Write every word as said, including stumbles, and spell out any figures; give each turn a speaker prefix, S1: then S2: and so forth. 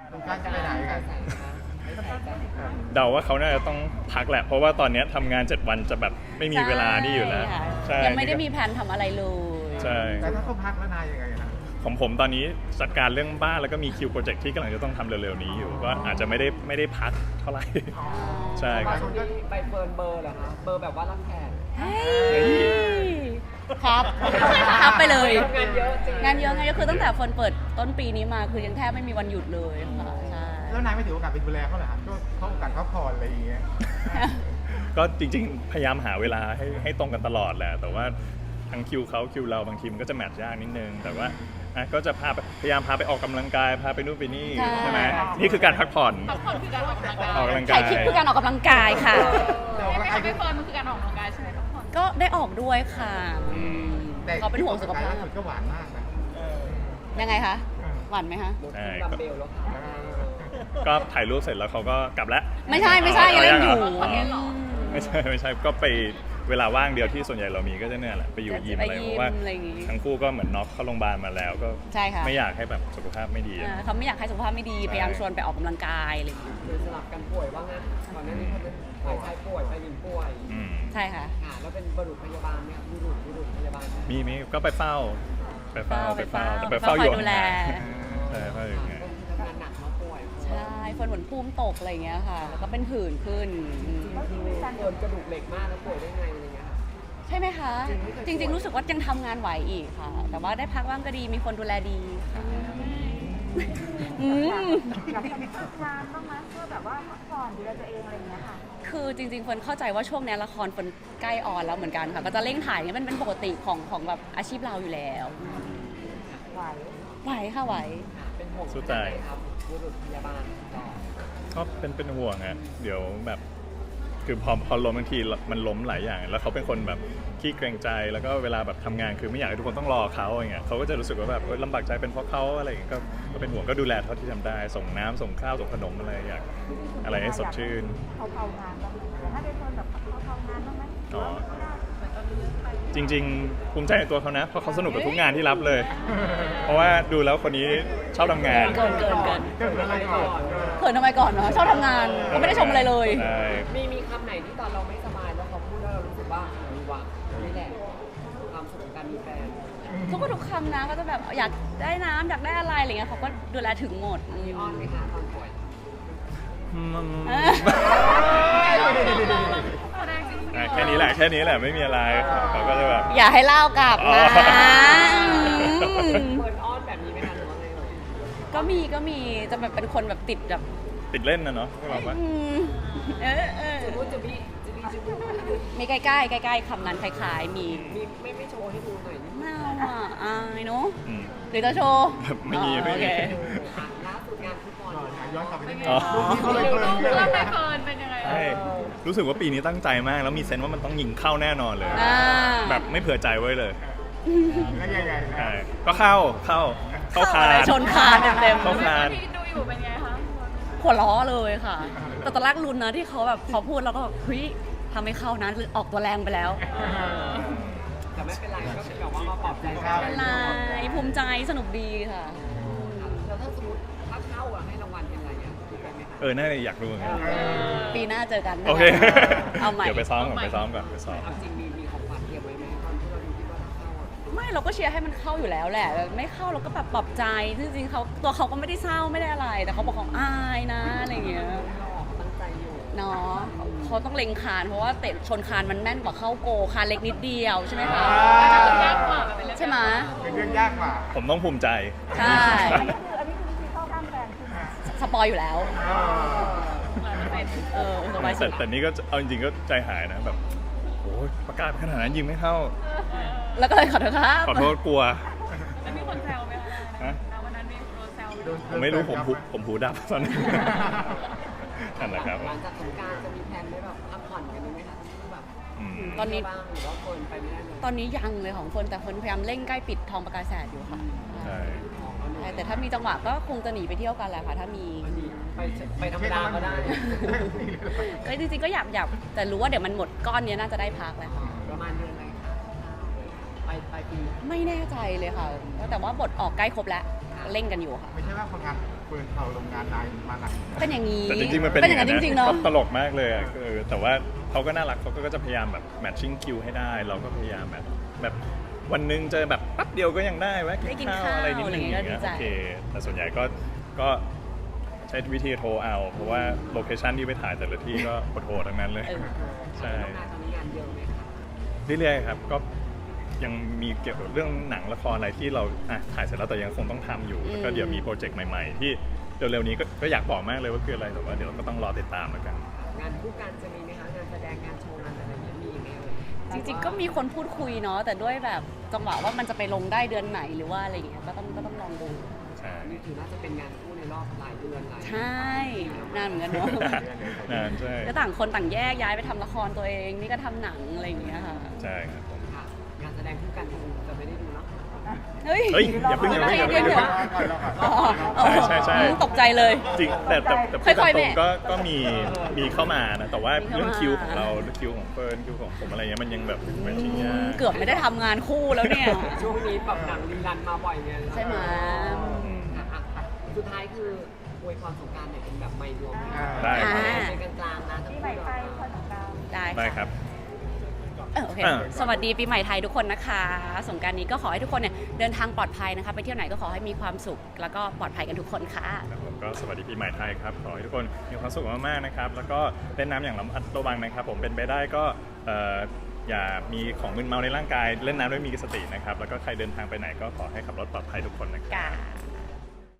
S1: คุณการจะไปไหนกัน
S2: เดาว่าเขาน่าจะต้องพักแหละเพราะว่าตอนนี้ทำงานเจ็ดวันจะแบบไม่มีเวลานี่อยู่แล้ว
S3: ใช่ค่ะยังไม่ได้มีแผนทำอะไรเลย
S2: ใช่
S1: แต่ถ้าเขาพักแล้วนายยังไงนะ
S2: ของผมตอนนี้จัดการเรื่องบ้านแล้วก็มีคิวโปรเจกต์ที่กำลังจะต้องทำเร็วๆนี้อยู่ก็อาจจะไม่ได้ไม่ได้พักเท่าไหร่ใช่ครับ
S4: ช่วงนี้ใบเฟิร์นเบอร์เหรอคะเบอร์แบบว่ารับแขก
S3: เฮ้ยครับครับไปเลย
S4: งานเยอะจริง
S3: งานเยอะไงก็คือตั้งแต่เฟิร์นเปิดต้นปีนี้มาคือยังแทบไม่มีวันหยุดเลยค่ะใช่
S1: แล้วนายไม่ถือโอกาสไปดูแลเขาเหรอครับก็เขาโอกาสพักผ่อนอะไรอย่างเงี้ย
S2: ก็จริงๆ พยายามหาเวลาให้ให้ตรงกันตลอดแหละแต่ว่าทั้งคิวเขาคิวเราบางทีมันก็จะแมทช์ยากนิดนึงแต่ว่าอ่ะก็จะพาไปพยายามพาไปออกกำลังกายพาไปนู่นไปนี่ใช่ไหมนี่คือการพักผ่อน
S5: พักผ่อนคือการออกกำลังกาย
S2: ออกกำลังกา
S3: ถ่าย ยคลิปคือการออกกำลังกายค่ะ
S5: ไม่ไม่ใช่ไปเฟิร์นมันคือการออกกำลังกายใช่ไหมพักผ่อน
S3: ก็ได้ออกด้วยค่ะอืม
S1: แต่
S3: เขาเป็นห่วงสุขภาพ
S1: ล่สุดก็หวานมากนะ
S3: ยังไงคะหวานไหมคะ
S2: ใช่
S4: ดัมเบลแล้วค่ะ
S2: ก็ถ่ายรูปเสร็จแล้วเขาก็กลับแล้ว
S3: ไม่ใช่ไม่ใช่ยังเล่นอยู่
S2: ไม่ใช่ไม่ใช่ก็ไปเวลาว่างเดียวที่ส่วนใหญ่เรามีก็จะเนี่ยแหละไปอยู่ยิมอะไรเพราะว่าทั้งคู่ก็เหมือนน็อกเข้าโรงพยาบาลมาแล้วก็
S3: ใช่ค่ะ
S2: ไม่อยากให้แบบสุขภาพไม่ดี
S3: อ่าเขาไม่อยากให้สุขภาพไม่ดีพยายามชวนไปออกกำลังกายอะไรอย่างเงี้ย
S4: คือสลับกันป่วยว่างั้นก่อนหน้านี้เขาเป็นฝ่ายชายป่วยฝ่ายหญิงป่วย
S2: อืม
S3: ใช่ค่ะ
S4: ค่ะแล้วเป็นบุรุษพยาบาลเนี่ยบุรุษบุรุษพยาบาล
S2: มีมีก็ไปเฝ้า ไปเฝ้าไปเฝ้าแต่ไป
S3: ไป
S2: เฝ้า
S3: เฝ้า
S2: อยู่
S3: คอยดูแล
S2: ใช่เฝ้าอยู่ไง
S4: ทำงานหนักมาป่วย
S3: ใช่เฟิร์นเหมือนภูมิตกอะไรอย่างเงี้ยค่ะ แล้วก็เป็นผื่นขึ้นอืม
S4: โดนกระดูกเหล็กมากแล้วป่วยได้ไงอะไรเงี้ยค่ะ
S3: ใช่ไหมคะ จริง ๆ รู้สึกว่ายังทำงานไหวอีกค่ะ แต่ว่าได้พักบ้างก็ดีมีคนดูแลดีค่ะอืม
S6: อยากจะมีฝึกงานบ้างไหมเพื่อแบบว่าพักผ่อนดูแลตัวเองอะไรอย่างเงี้ยค่ะ
S3: คือจริงๆเฟิร์นเข้าใจว่าช่วงนี้ละครเฟิร์นใกล้ออนแล้วเหมือนกันค่ะ ก็จะเร่งถ่ายเนี่ยมันเป็นปกติของของแบบอาชีพเราอยู่แล้ว
S6: ไหว
S3: ไหวค่ะไหว
S4: ค่ะเป็นห่วง
S2: สู้ตาย
S4: ครับบุรุษพยาบาลต่อ
S2: ก็เป็นเป็นห่วงฮะเดี๋ยวแบบคือพอพอล้มบางทีมันล้มหลายอย่าง แล้วเขาเป็นคนแบบขี้เกรงใจแล้วก็เวลาแบบทำงานคือไม่อยากให้ทุกคนต้องรอเขาอย่างเงี้ยเขาก็จะรู้สึกว่าแบบเออลำบากใจเป็นเพราะเขาอะไรอย่างเงี้ยก็ก็เป็นห่วงก็ดูแลเท่าที่ทำได้ ส่งน้ำส่งข้าวส่งขนมอะไรอยากอะไรให้สดชื่น
S6: เขาเผางานบ้างไหมแต่ถ้าเป็นคนแบบเขาเผางานบ้างไหม
S2: อ๋อ จริงๆภูมิใจในตัวเขานะเพราะเขาสนุกกับทุกงานที่รับเลย เพราะว่าดูแล้วคนนี้ชอบทำงาน
S3: เกินเกินเกิน
S1: เกิดอะไรก่อน
S3: เขินทำไมก่อนเนาะชอบทำงานก็ไม่ได้ชมอะไรเลย
S2: ใช่
S4: มีมีคำไหนที่ตอนเราไม่สบายแล้วเขาพูดแล้วเรารู้สึกว่ามีหวังนี่แหละความสุขของการมีแฟน
S3: ทุกคนทุกคำนะก็จะแบบอยากได้น้ำอยากได้อะไรอะไรเงี้ยเขาก็ดูแลถึงหมดอื
S4: มี
S3: ม
S4: อ้อนไหมคะตอนป่วย
S2: อืม
S3: เออ
S2: อ่ะแค่นี้แหละแค่นี้แหละไม่มีอะไรเขาก็จะแบบ
S3: อย่าให้เล่ากลับ
S2: อ๋อ
S3: นะอืม
S4: เปิดอ้อนแบบนี้ไหมคะหรือว่าไงเอ่ย
S3: ก็มีก็มีจะแบบเป็นคนแบบติดแบบ
S2: ติดเล่นนะเนาะไม่บอกว่า
S3: อืมเออเออ
S4: จุบุจุบีจุบีจุบู
S3: มีใกล้ๆใกล้ๆคำนั้นคล้ายๆมี
S4: มีไม่ไม่โชว์ให้ดูหน่อยนิดนึง
S3: ไม่เอาอ่ะอายเนาะ
S2: อืม
S3: หรือจะโชว์
S2: ไม่มี
S3: อ๋อ
S2: ไม่มี
S3: โอเค
S4: อ่ะล่าสุดงานฟุตบอล
S1: ย้อนกลับไปนิดนึง
S2: อ๋อ
S1: รูปที่เขาเลยเกิน
S5: เรื่
S1: เย
S5: อง
S1: อะ
S5: ไปเฟิร์นเป็นยังไง
S2: ใช่รู้สึกว่าปีนี้ตั้งใจมาก แล้วมีเซนส์ว่ามันต้องยิงเข้าแน่นอนเลย
S3: อ่า
S2: แบบไม่เผื่อใจไว้เลย
S1: แล้วยังไงนะ
S2: ใช่ก็เข้าเข้าเข้าคาน
S3: ชนคานเต็ม
S2: เข้าคาน
S5: ที่ดูอยู่เป็นไงคะ
S3: ๆหัวล้อเลยค่ะ แต่ตอนแรกลุ้นนะที่เขาแบบเขาพูดแล้วก็แบบเฮ้ยทำไม่เข้านะหรือออกตัวแรงไปแล้ว
S4: แต่ไม่เป็นไรก็เป็นแบบว่ามาปลอบใจกั
S3: เป็นไรภูมิใจสนุกดีค่ะ
S4: แล้วถ้าสมมติถ้าเข้าอะให้รางวัลเป็นอะไรอ่ะคิดไปไหมคะ
S2: เออน่าจะอยากรู้เหมือนกัน
S3: ปีหน้าเจอกันนะะ
S2: โอเค
S3: เอาใหม่
S2: เดี๋ยวไปซ้อมก่อนไปซ้อมก่อนไปซ้อม
S4: เอาจริงมีมีของขวัญเตรียมไว้ไหมตอนที่เราดูที่ว่าถ้าเข้าอ่ะ
S3: ไม่เราก็เชียร์ให้มันเข้าอยู่แล้วแหละไม่เข้าเราก็แบบปลอบใจจริงๆเขาตัวเขาก็ไม่ได้เศร้าไม่ได้อะไร แต่เขาบอกเขาอายนะอะไรอย่างเงี้ย
S4: เราออกตั้งใจอยู่
S3: เนาะเขาต้องเล็งคานเพราะว่าเตะชนคานมันแม่นกว่าเข้าโกคานเล็กนิดเดียวใช่ไหมคะ
S5: ยากกว่ามันเป็นเรื่อง
S3: ใช่ไหม
S1: เป็นเรื่องยากกว่า
S2: ผมต้องภูมิใจ
S3: ใช่
S6: อันนี้คืออันนี้คือวิธีเข้าข้างแฟนใช่ไหม
S3: สปอยอยู่แล้ว
S1: เออ
S3: เออสบายสุ
S2: แต่
S3: ด
S2: แต่นี่ก็เอาจริงๆก็ใจหายนะแบบโอ้ยประกาศขนาดนั้นยิงไม่เข้า
S3: แล้วก็เลยขอโทษครับ
S2: ขอโทษกลัว
S5: แล้วมีคนแซวไหมคะ
S2: ฮะ
S5: วันนั้นมีคนแซวไหม
S2: ผมไม่รู้ผมหูผมหูดับตอนนั้นนั่นแหละครับ
S4: หลังจากสงกรานต์จะมีแผนได้แบบพักผ่อนกันไหมคะทั้งคู่แบบ
S2: อืม
S3: ตอนนี้
S4: บ้างหรือว่าเฟิร์นไปไม่ได้เลย
S3: ตอนนี้ยังเลยของเฟิร์นแต่เฟิร์นพยายามเร่งใกล้ปิดทองประกายแสดอยู่ค่ะ
S2: ใช่
S3: ใช่แต่ถ้ามีจังหวะก็คงจะหนีไปเที่ยวกันแหละค่ะ ถ้ามี
S4: วันนี้ไปไปธรรมดาก็ได้
S3: เอ้ยจริงๆก็อยากอยากแต่รู้ว่าเดี๋ยวมันหมดก้อนเนี้ยน่าจะได้พักแหละค่ะ
S4: ประมาณเดือนอะไรคะไปปลายปี
S3: ไม่แน่ใจเลยค่ะ แต่ว่าบทออกใกล้ครบแล้ว
S4: ค่ะ
S3: เร่งกันอยู่ค่ะ
S1: ไม่ใช่ว่าคนงานเฟิร์นเขาลงงานนายมาหนัก
S3: เป็นอย่างนี้
S2: แต่จริงๆมันเป็น
S3: เป็นอย่างนั้นจริงๆเนาะ
S2: ตลกมากเลยอะเออแต่ว่าเขาก็น่ารักเขาก็จะพยายามแบบแมทชิ่งคิวให้ได้ เราก็พยายามแบบแบบวันหนึงเจอแบบแป๊บเดียวก็ยังได้แวะ
S3: ได้กิ
S2: กิ
S3: น
S2: นข้าว
S3: ข้าว
S2: อะไรนิดนึงอย่าง
S3: อะไรอย่างเงี้
S2: เงี้
S3: ย
S2: ย
S3: ก็ดีใจ
S2: โอเคแต่ส่วนใหญ่ก็ก็ใช้วิธีโทรเอาเพราะว่าโลเคชันที่ไปถ่ายแต่ละที่ก็โหดๆทั้งนั้นเลย
S3: เออ
S2: ใช่
S4: ทำงานตอนนี้งานเยอะไหมคะ
S2: เรื่อยๆครับก็ยังมีเกี่ยวกับเรื่องหนังละครอะไรที่เราอ่ะถ่ายเสร็จแล้วแต่ยังคงต้องทำอยู่
S3: อืม
S2: แล้วก็เดี๋ยวมีโปรเจกต์ใหม่ๆ ที่เร็วๆนี้ก็ก็อยากบอกมากเลยว่าคืออะไรแต่ว่าเดี๋ยวเราก็ต้องรอติดตามแล้วกัน
S4: งานคู่กันจะมีไหมคะงานแสดงงานโชว์งานอะไรอย่างเงี้ยมีไหมเอ่ย
S3: จริงๆก็มีคนพูดคุยเนาะแต่ด้วยแบบจังหวะว่ามันจะไปลงได้เดือนไหนหรือว่าอะไรอย่างเงี้ยก็ต้องก็ต้องลองดู
S2: ใช่
S4: นี่ถือน่าจะเป็นงานคู่ในรอบหลายเดือนหลาย
S3: ใช่นานเหมือนกันเนาะ
S2: นานใช่
S3: ก็ต่างคนต่างแยกย้ายไปทำละครตัวเองนี่ก็ทำหนังอะไรอย่างเงี้ยค่ะ
S2: ใช่ครับผม
S4: ค่ะงานแสดงคู่กันคงจะไม่ได้ดูเนาะ
S3: เฮ้ย
S2: เฮ้ยอย่าเพิ่งอย่าเพิ่งอย่าเพิ่ง
S3: เดี๋ยว อ๋ออ๋อ
S2: ใช่ใช่ใช่
S3: อืมตกใจเลย
S2: จริงแต่แต่แต่พูด
S3: ค่อยๆ
S2: ตร
S3: แม่
S2: งๆก็ก็มีมีเข้ามานะแต่ว่า
S3: มีเข้ามา
S2: เรื่องคิวของเราเรื่องคิวของเฟิร์นคิวของผมอะไรเงี้ยมันยังแบบแมทชิ่งยาก
S3: เกือบไม่ได้ทำงานคู่แล้วเนี่ย
S4: ช่วงนี้แบบหนังรีรันมาบ่อยไง
S3: ใช่ไหม
S4: อ่ะอ่ะอ่ะสุดท้ายคืออวยพรสงกรานต์เนี่ยเป็นแบบไม่รวม
S2: ได้
S3: อ่า
S4: เป็นกลางๆนะทั้ง
S6: ที่
S4: คู่
S6: ใหม่ไทย
S4: เนาะ
S6: คนของเรา
S3: ได้
S2: ได้ครับ
S3: เออโอเค
S2: อ่า
S3: สวัสดีปีใหม่ไทยทุกคนนะคะ สงกรานต์นี้ก็ขอให้ทุกคนเนี่ยเดินทางปลอดภัยนะคะ ไปเที่ยวไหนก็ขอให้มีความสุข แล้วก็ปลอดภัยกันทุกคนค่ะ
S2: ครับผมก็สวัสดีปีใหม่ไทยครับขอให้ทุกคนมีความสุขมากๆนะครับแล้วก็เล่นน้ำอย่างระมัดระวังนะครับผมเป็นไปได้ก็เอ่ออย่ามีของมึนเมาในร่างกายเล่นน้ำด้วยมีสตินะครับแล้วก็ใครเดินทางไปไหนก็ขอให้ขับรถปลอดภัยทุกคนนะครับ
S3: กา